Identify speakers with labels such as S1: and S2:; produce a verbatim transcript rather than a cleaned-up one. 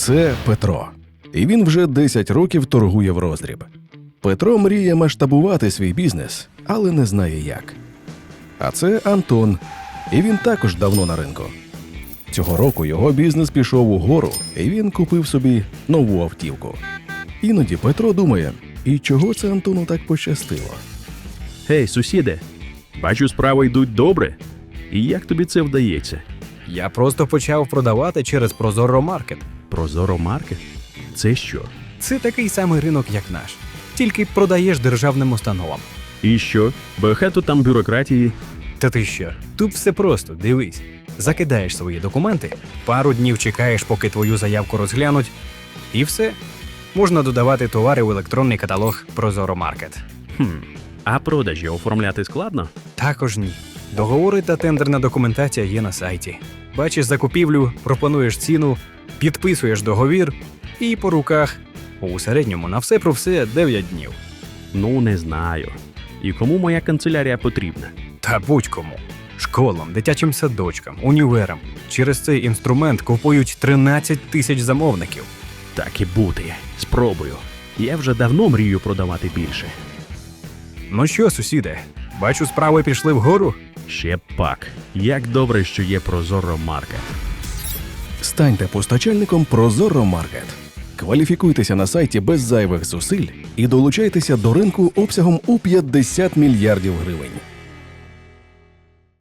S1: Це Петро. І він вже десять років торгує в роздріб. Петро мріє масштабувати свій бізнес, але не знає як. А це Антон. І він також давно на ринку. Цього року його бізнес пішов угору, і він купив собі нову автівку. Іноді Петро думає, і чого це Антону так пощастило?
S2: Гей, сусіде, бачу, справи йдуть добре. І як тобі це вдається?
S3: Я просто почав продавати через Прозоро Маркет.
S2: Прозоро Маркет? Це що?
S3: Це такий самий ринок, як наш. Тільки продаєш державним установам.
S2: І що? Багато там бюрократії.
S3: Та ти що? Тут все просто, дивись. Закидаєш свої документи, пару днів чекаєш, поки твою заявку розглянуть, і все. Можна додавати товари в електронний каталог Прозоро Маркет.
S2: Хм, а продажі оформляти складно?
S3: Також ні. Договори та тендерна документація є на сайті. Бачиш закупівлю, пропонуєш ціну, підписуєш договір і по руках. У середньому на все про все дев'ять днів.
S2: Ну, не знаю. І кому моя канцелярія потрібна?
S3: Та будь-кому. Школам, дитячим садочкам, універам. Через цей інструмент купують тринадцять тисяч замовників.
S2: Так і бути. Спробую. Я вже давно мрію продавати більше.
S3: Ну що, сусіде, бачу, справи пішли вгору?
S2: Ще пак. Як добре, що є Прозоро Маркет.
S1: Станьте постачальником Прозоро Маркет. Кваліфікуйтеся на сайті без зайвих зусиль і долучайтеся до ринку обсягом у п'ятдесят мільярдів гривень.